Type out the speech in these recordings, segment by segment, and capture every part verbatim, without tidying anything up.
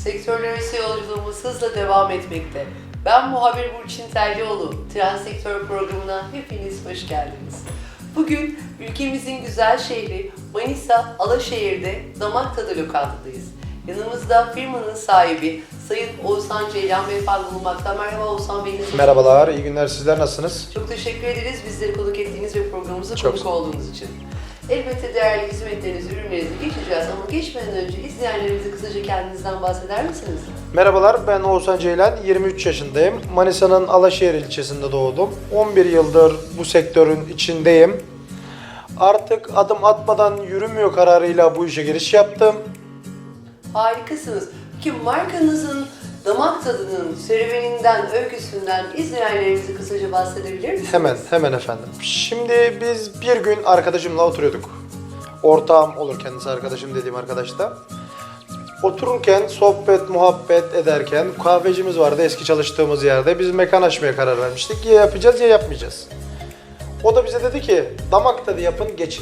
Sektörler arası yolculuğumuz hızla devam etmekte. Ben muhabir Burçin Terlioğlu. Trend Sektör programına hepiniz hoş geldiniz. Bugün ülkemizin güzel şehri Manisa Alaşehir'de Damak Tadı Lokantı'dayız. Yanımızda firmanın sahibi Sayın Oğuzhan Ceylan Beyefendi bulunmakta. Merhaba Oğuzhan Bey. Merhabalar, iyi günler. Sizler nasılsınız? Çok teşekkür ederiz bizleri konuk ettiğiniz ve programımıza Çok konuk olduğunuz için. Elbette değerli hizmetlerinizi, ürünlerinizi geçeceğiz ama geçmeden önce izleyenlerimize kısaca kendinizden bahseder misiniz? Merhabalar, ben Oğuzhan Ceylan, yirmi üç yaşındayım. Manisa'nın Alaşehir ilçesinde doğdum. on bir yıldır bu sektörün içindeyim. Artık adım atmadan yürümüyor kararıyla bu işe giriş yaptım. Harikasınız. Peki markanızın damak tadının serüveninden, öyküsünden izleyenlerimize kısaca bahsedebilir misiniz? Hemen, hemen efendim. Şimdi biz bir gün arkadaşımla oturuyorduk. Ortağım olur kendisi, arkadaşım dediğim arkadaş da. Otururken, sohbet, muhabbet ederken kahvecimiz vardı eski çalıştığımız yerde. Biz mekan açmaya karar vermiştik. Ya yapacağız ya yapmayacağız. O da bize dedi ki, damak tadı yapın, geçin.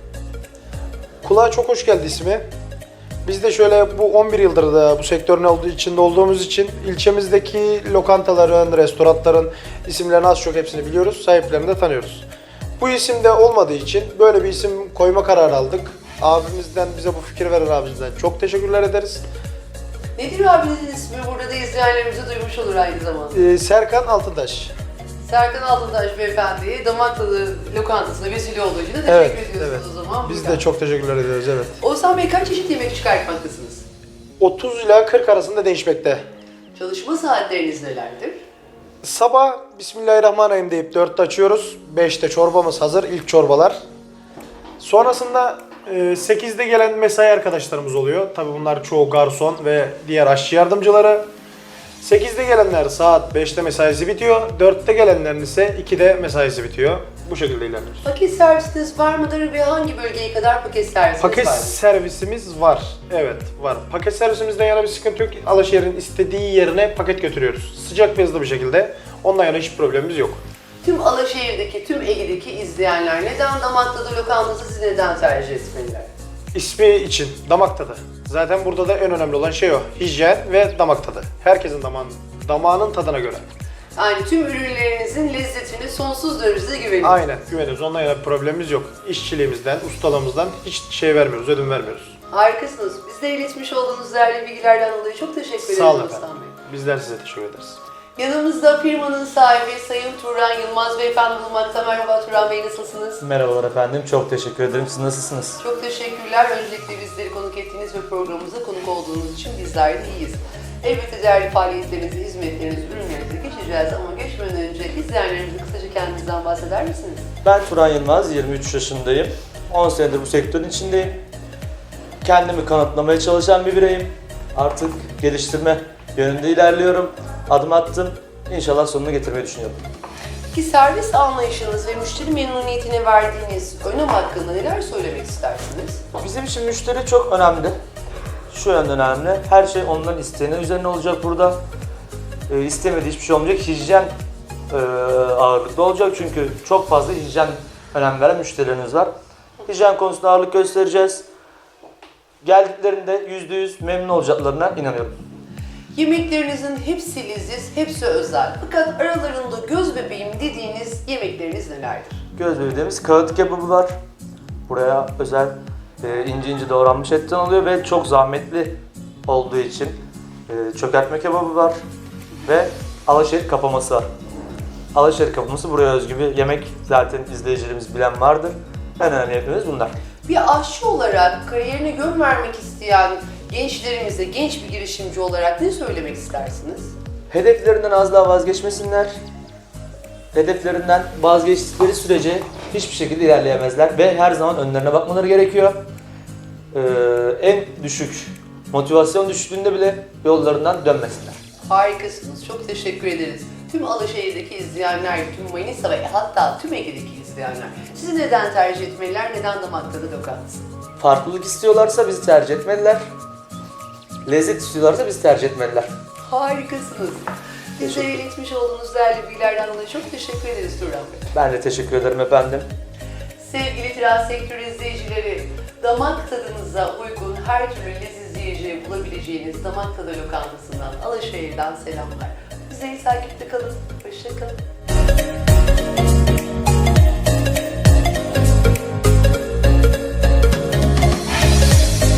Kulağa çok hoş geldi ismi. Biz de şöyle bu on bir yıldır da bu sektörün olduğu içinde olduğumuz için ilçemizdeki lokantaların, restoranların isimlerini az çok hepsini biliyoruz, sahiplerini de tanıyoruz. Bu isim de olmadığı için böyle bir isim koyma kararı aldık. Abimizden, bize bu fikir veren abimizden çok teşekkürler ederiz. Nedir abinizin ismi? Burada da izleyenlerimize duymuş olur aynı zamanda. Ee, Serkan Altıntaş. Serkan Altıntaş Beyefendi'ye damak tadı lokantasına vesile olduğu için de teşekkür Evet, ediyorsunuz evet. o zaman. Biz Buradan. de çok teşekkürler ediyoruz, evet. Oğuzhan Bey kaç çeşit yemek çıkartmaktasınız? otuz ila kırk arasında değişmekte. Çalışma saatleriniz nelerdir? Sabah Bismillahirrahmanirrahim deyip dörtte açıyoruz. beşte çorbamız hazır, ilk çorbalar. Sonrasında e, sekizde gelen mesai arkadaşlarımız oluyor. Tabii bunlar çoğu garson ve diğer aşçı yardımcıları. sekizde gelenler saat beşte mesaisi bitiyor. dörtte gelenlerin ise ikide mesaisi bitiyor. Bu şekilde ilerliyoruz. Paket servisiniz var mıdır ve hangi bölgeye kadar paket servisiniz Paket vardır? servisimiz var. Evet, var. Paket servisimizden yana bir sıkıntı yok. Alaşehir'in istediği yerine paket götürüyoruz. Sıcak ve hızlı bir şekilde. Ondan yana hiç problemimiz yok. Tüm Alaşehir'deki, tüm Ege'deki izleyenler neden damak tadı lokantası sizi neden tercih etmeliler? İsmi için damak tadı. Zaten burada da en önemli olan şey o. Hijyen ve damak tadı. Herkesin damağın, damağının tadına göre. Yani tüm ürünlerinizin lezzetine sonsuz derecede güveniyoruz. Aynen, güveniyoruz. Ondan yana bir problemimiz yok. İşçiliğimizden, ustalığımızdan hiç şey vermiyoruz, ödün vermiyoruz. Harikasınız. Bizde iletmiş olduğunuz değerli bilgilerden dolayı çok teşekkür ederim Sağ olun Oğuzhan efendim. Bey. Bizler size teşekkür ederiz. Yanımızda firmanın sahibi Sayın Turan Yılmaz Beyefendi bulunmakta. Merhaba Turan Bey, nasılsınız? Merhabalar efendim, çok teşekkür ederim. Siz nasılsınız? Çok teşekkürler. Öncelikle bizleri konuk ettiğiniz ve programımıza konuk olduğunuz için bizler de iyiyiz. Elbette değerli faaliyetlerinizi, hizmetlerinizi, ürünlerinizi geçeceğiz ama geçmeden önce izleyenlerimize kısaca kendinizden bahseder misiniz? Ben Turan Yılmaz, yirmi üç yaşındayım. on senedir bu sektörün içindeyim. Kendimi kanıtlamaya çalışan bir bireyim. Artık geliştirme yönünde ilerliyorum. Adım attım. İnşallah sonuna getirmeyi düşünüyorum. Ki servis anlayışınız ve müşteri memnuniyetine verdiğiniz önem hakkında neler söylemek istersiniz? Bizim için müşteri çok önemli. Şu yönden önemli. Her şey onların isteğine üzerine olacak burada. E, istemediği hiçbir şey olmayacak. Hijyen e, ağırlıklı olacak çünkü çok fazla hijyen önem veren müşterilerimiz var. Hijyen konusunda ağırlık göstereceğiz. Geldiklerinde yüzde yüz memnun olacaklarına inanıyorum. Yemeklerinizin hepsi leziz, hepsi özel. Fakat aralarında göz bebeğim dediğiniz yemekleriniz nelerdir? Göz bebeğimiz kağıt kebabı var. Buraya özel e, ince ince doğranmış etten oluyor ve çok zahmetli olduğu için e, çökertme kebabı var ve Alaşehir kapaması var. Alaşehir kapaması buraya özgü bir yemek, zaten izleyicilerimiz bilen vardır. En önemli yemeklerimiz bunlar. Bir aşçı olarak kariyerine yön vermek isteyen gençlerimize, genç bir girişimci olarak ne söylemek istersiniz? Hedeflerinden az daha vazgeçmesinler. Hedeflerinden vazgeçtikleri sürece hiçbir şekilde ilerleyemezler ve her zaman önlerine bakmaları gerekiyor. Ee, en düşük motivasyon düştüğünde bile yollarından dönmesinler. Harikasınız, çok teşekkür ederiz. Tüm Alaşehir'deki izleyenler, tüm Manisa ve hatta tüm Ege'deki izleyenler sizi neden tercih etmeliler, neden damak tadı lokantası? Farklılık istiyorlarsa bizi tercih etmeliler. Lezzet istiyorlarsa bizi tercih etmeliler. Harikasınız. Bize iletmiş olduğunuz değerli bilgilerden dolayı çok teşekkür ederiz Turan Bey. Ben de teşekkür ederim efendim. Sevgili trans sektör izleyicileri, damak tadınıza uygun her türlü leziz lezzetli yiyeceği bulabileceğiniz damak tadı lokantasından Alaşehir'den selamlar. Bize takipte kalın. Hoşça kalın.